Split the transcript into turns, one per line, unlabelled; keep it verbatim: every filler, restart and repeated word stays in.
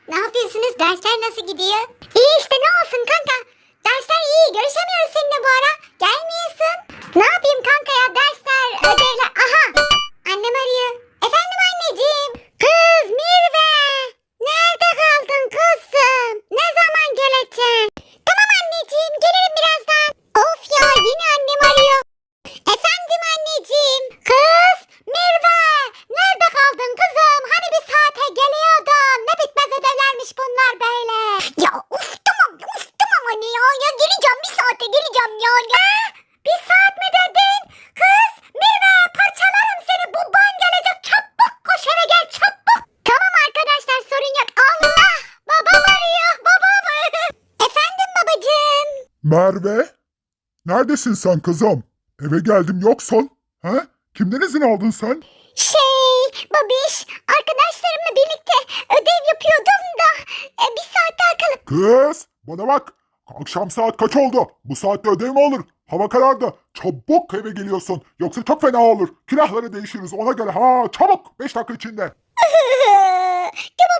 Ne yapıyorsunuz? Dersler nasıl gidiyor? İyi işte, ne olsun kanka. Dersler iyi. Görüşemiyoruz seninle bu ara. Gelmiyorsun. Ne yapayım kanka ya? Dersler, ödevler. Aha! Annem arıyor. Efendim anneciğim. Kız Mirve. Nerede kaldın kızım? Ne zaman geleceksin? Tamam anneciğim. Gelirim birazdan. Of ya, yine annem arıyor. Efendim anneciğim. Kız Mirve. Nerede kaldın kızım? Hani bir saate geliyordun. Ne bitmez ödevlermiş bunlar böyle. Ya uf tamam uf tamam anne ya. Ya geleceğim, bir saate geleceğim ya. ya. Bir saat mi dedin? Kız Mirve, parçalarım seni. Baban gelecek. Çabuk koş eve gel çabuk. Tamam arkadaşlar, sorun yok. Allah, babam arıyor. Babam. Efendim babacığım.
Merve, neredesin sen kızım? Eve geldim yoksun. He? Kimden izin aldın sen?
Şey babiş, arkadaşlarımla birlikte ödev yapıyordum da e, bir saat daha kalıp.
Kız, bana bak. Akşam saat kaç oldu? Bu saatte ödev mi olur? Hava karardı. Çabuk eve geliyorsun. Yoksa çok fena olur. Külahları değişiriz ona göre. Ha, çabuk. Beş dakika içinde.
Tamam